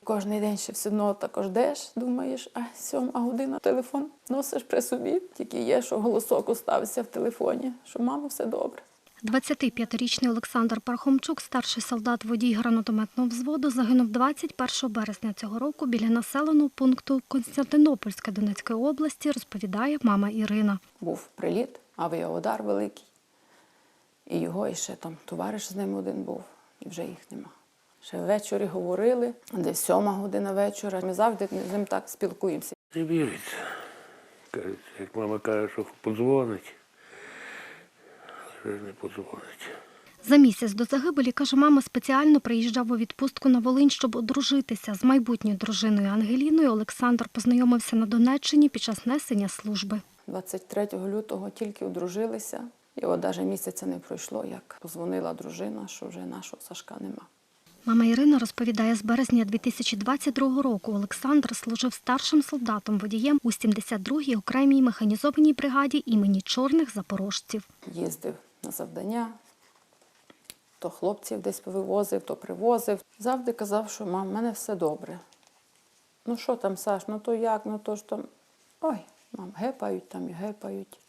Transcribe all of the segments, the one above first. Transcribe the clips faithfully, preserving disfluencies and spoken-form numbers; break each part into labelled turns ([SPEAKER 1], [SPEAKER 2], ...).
[SPEAKER 1] кожен день ще все одно також ждеш, думаєш, а сьома година, телефон носиш при собі. Тільки є, що голосок остався в телефоні, що мамо, все добре.
[SPEAKER 2] двадцятип'ятирічний Олександр Пархомчук, старший солдат-водій гранатометного взводу, загинув двадцять першого березня цього року біля населеного пункту Константинопольська Донецької області, розповідає мама Ірина.
[SPEAKER 1] Був приліт, авіаудар великий. І його, і ще там товариш з ним один був, і вже їх нема. Ще ввечері говорили, десь сьома година вечора. Ми завжди з ним так спілкуємося.
[SPEAKER 3] Не віриться. Кажуть, як мама каже, що подзвонить, вже не подзвонить.
[SPEAKER 2] За місяць до загибелі, каже мама, спеціально приїжджав у відпустку на Волинь, щоб одружитися. З майбутньою дружиною Ангеліною Олександр познайомився на Донеччині під час несення служби.
[SPEAKER 1] двадцять третього лютого тільки одружилися. І от навіть місяця не пройшло, як позвонила дружина, що вже нашого Сашка нема.
[SPEAKER 2] Мама Ірина розповідає, з березня дві тисячі двадцять другого року Олександр служив старшим солдатом-водієм у сімдесят другій окремій механізованій бригаді імені Чорних запорожців.
[SPEAKER 1] Їздив на завдання, то хлопців десь вивозив, то привозив. Завжди казав, що мам, в мене все добре. Ну що там, Саш, ну то як, ну то ж там, ой, мам, гепають там і гепають.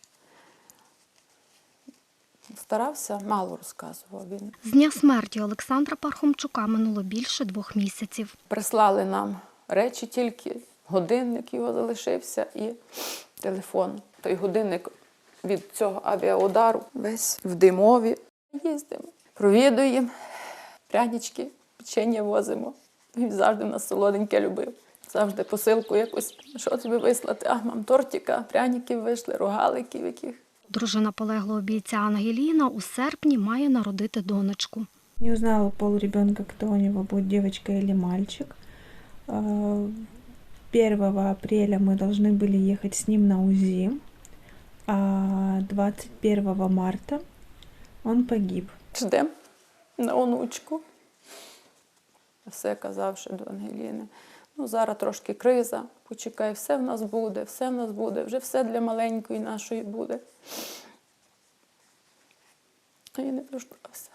[SPEAKER 1] Старався, мало розказував він.
[SPEAKER 2] З дня смерті Олександра Пархомчука минуло більше двох місяців.
[SPEAKER 1] Прислали нам речі тільки, годинник його залишився і телефон. Той годинник від цього авіаудару весь в димові. Їздимо, провідуємо, прянички, печення возимо. Він завжди нас солоденьке любив. Завжди посилку якусь, що тобі вислати? А, мам, тортика, пряників вийшли, рогаликів яких.
[SPEAKER 2] Дружина полеглого бійця Ангеліна у серпні має народити донечку.
[SPEAKER 4] Не узнала пол ребенка, кто у него будет, девочка или мальчик. первого апреля мы должны были ехать с ним на УЗИ, а двадцять первого марта он погиб.
[SPEAKER 1] Ждемо на онучку. Все казав ще до Ангеліни. Ну, зараз трошки криза, почекай, все в нас буде, все в нас буде, вже все для маленької нашої буде. А я не дождався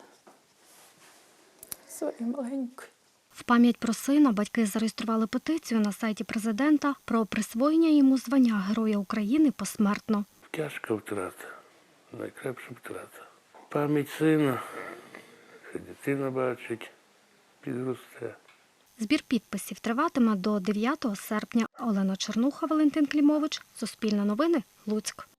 [SPEAKER 1] своєї маленької.
[SPEAKER 2] В пам'ять про сина батьки зареєстрували петицію на сайті президента про присвоєння йому звання Героя України посмертно.
[SPEAKER 3] Тяжка втрата, найкраща втрата. Пам'ять сина, що дитина бачить, підросте.
[SPEAKER 2] Збір підписів триватиме до дев'ятого серпня. Олена Чернуха, Валентин Клімович, Суспільне новини, Луцьк.